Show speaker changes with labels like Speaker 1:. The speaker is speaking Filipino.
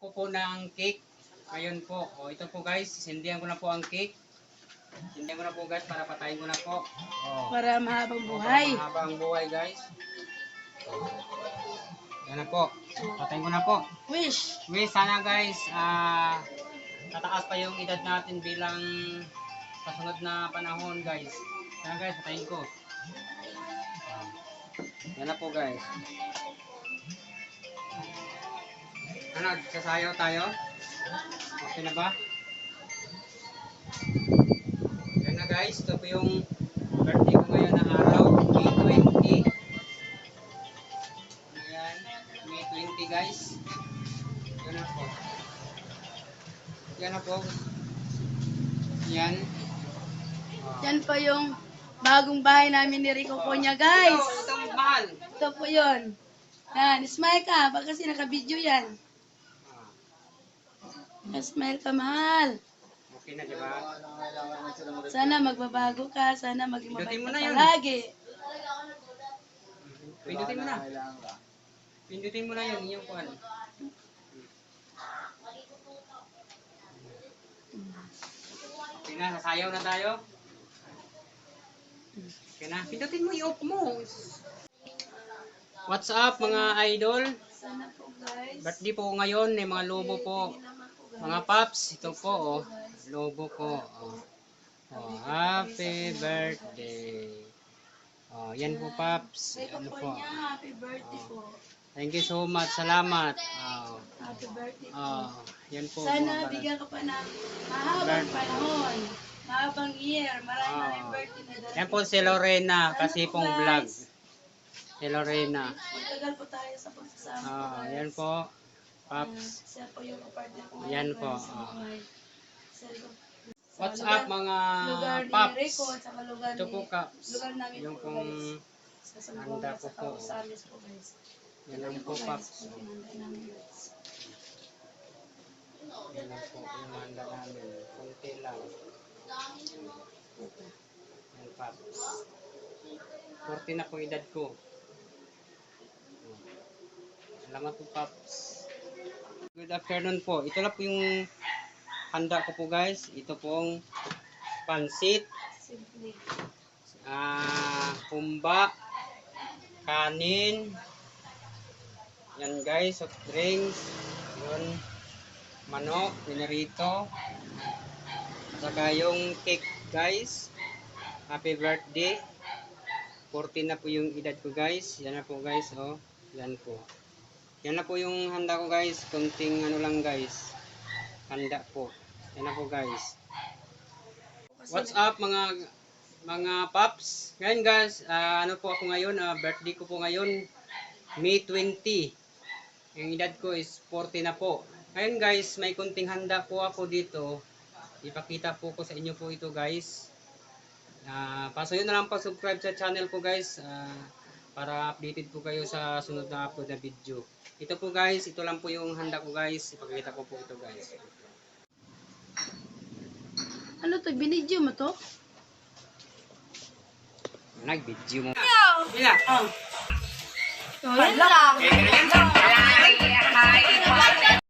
Speaker 1: ko po ng cake. Ngayon po. O ito po guys, sindihan ko na po ang cake. Sindihan ko na po guys para patayin ko na po.
Speaker 2: Para mahabang buhay.
Speaker 1: Para mahabang buhay guys. Yan na po. Patayin ko na po.
Speaker 2: Wish.
Speaker 1: Sana guys, tataas pa yung edad natin bilang kasunod na panahon guys. Sana guys, patayin ko. Yan na po guys. Ano, sasayaw tayo? Okay na ba? Yan na guys, ito po yung birthday ko ngayon na araw, May 20. Ayan, May 20 guys. Yan na po. Yan na po. Yan.
Speaker 2: Yan po yung bagong bahay namin ni Rico Konya, guys.
Speaker 1: Ito, mahal.
Speaker 2: Ito po yun. Yan, smile ka. Baka kasi naka-video yan. Smile ka, mahal.
Speaker 1: Okay na, diba?
Speaker 2: Sana magbabago ka. Sana maging mabait
Speaker 1: Pindutin mo
Speaker 2: ka
Speaker 1: na yun.
Speaker 2: palagi.
Speaker 1: Pindutin mo na. Pindutin mo na yun, yung kuhan. Okay na, sasayaw na tayo. Okay na, pindutin mo, i-off mo. What's up mga idol?
Speaker 2: Sana po, guys.
Speaker 1: Birthday po ngayon, may mga lobo po. Mga paps, ito po, oh. Lobo ko. Oh. Oh, happy birthday. Oh, yan po paps.
Speaker 2: Rico
Speaker 1: Ano po?
Speaker 2: Konya, happy birthday po.
Speaker 1: Thank you so much. Salamat. Oh.
Speaker 2: Happy birthday po.
Speaker 1: Oh, yan po.
Speaker 2: Sana
Speaker 1: mga
Speaker 2: bigyan ka pa ng mahabang panahon. Mahabang year. Maraming birthday na darating.
Speaker 1: Yan po si Lorena, kasi pong vlog. Si Lorena.
Speaker 2: Matagal po tayo sa pagsasama.
Speaker 1: Oh, yan po. Paps.
Speaker 2: Siya po yung partner ko.
Speaker 1: Yan
Speaker 2: ngayon,
Speaker 1: po,
Speaker 2: guys, sa
Speaker 1: oh.
Speaker 2: buhay. Sa
Speaker 1: What's
Speaker 2: lugar-
Speaker 1: up mga
Speaker 2: lugar ni
Speaker 1: paps?
Speaker 2: Rico at saka lugar
Speaker 1: Ito
Speaker 2: ni-
Speaker 1: po caps.
Speaker 2: lugar namin
Speaker 1: Yung
Speaker 2: po,
Speaker 1: pong
Speaker 2: guys. Sa Sambuanga
Speaker 1: handa
Speaker 2: at
Speaker 1: ko
Speaker 2: saka
Speaker 1: po.
Speaker 2: Rosales po, guys.
Speaker 1: Yan lang
Speaker 2: Ito
Speaker 1: po
Speaker 2: guys,
Speaker 1: paps.
Speaker 2: yung pinanda namin, guys.
Speaker 1: Yan lang po yung handa namin. Kunti lang. Yan paps. 40 na po edad ko. Salamat po paps. Good afternoon po. Ito lang po yung handa ko po guys. Ito pong pansit,
Speaker 2: Simple.
Speaker 1: humba, kanin, yan guys, soft drinks, yun, manok, pinarito, saka yung cake guys. Happy birthday. 40 na po yung edad ko guys. Yan na po guys, oh. Yan po. Yan na po yung handa ko guys. Kunting ano lang guys. Handa po. Yan na po guys. What's up mga paps? Ngayon guys, ano po ako ngayon, birthday ko po ngayon, May 20. Yung edad ko is 40 na po. Ngayon guys, may kunting handa po ako dito. Ipakita po ko sa inyo po ito guys. Pasuyo na lang pa-subscribe sa channel ko guys, para updated po kayo sa sunod na upload na video. Ito po guys, ito lang po yung handa ko guys. Ipakita ko po ito guys.
Speaker 2: Ano to? Binidyo mo to?
Speaker 1: Nag-video mo.
Speaker 2: Oh.
Speaker 1: Bila.
Speaker 2: Wala.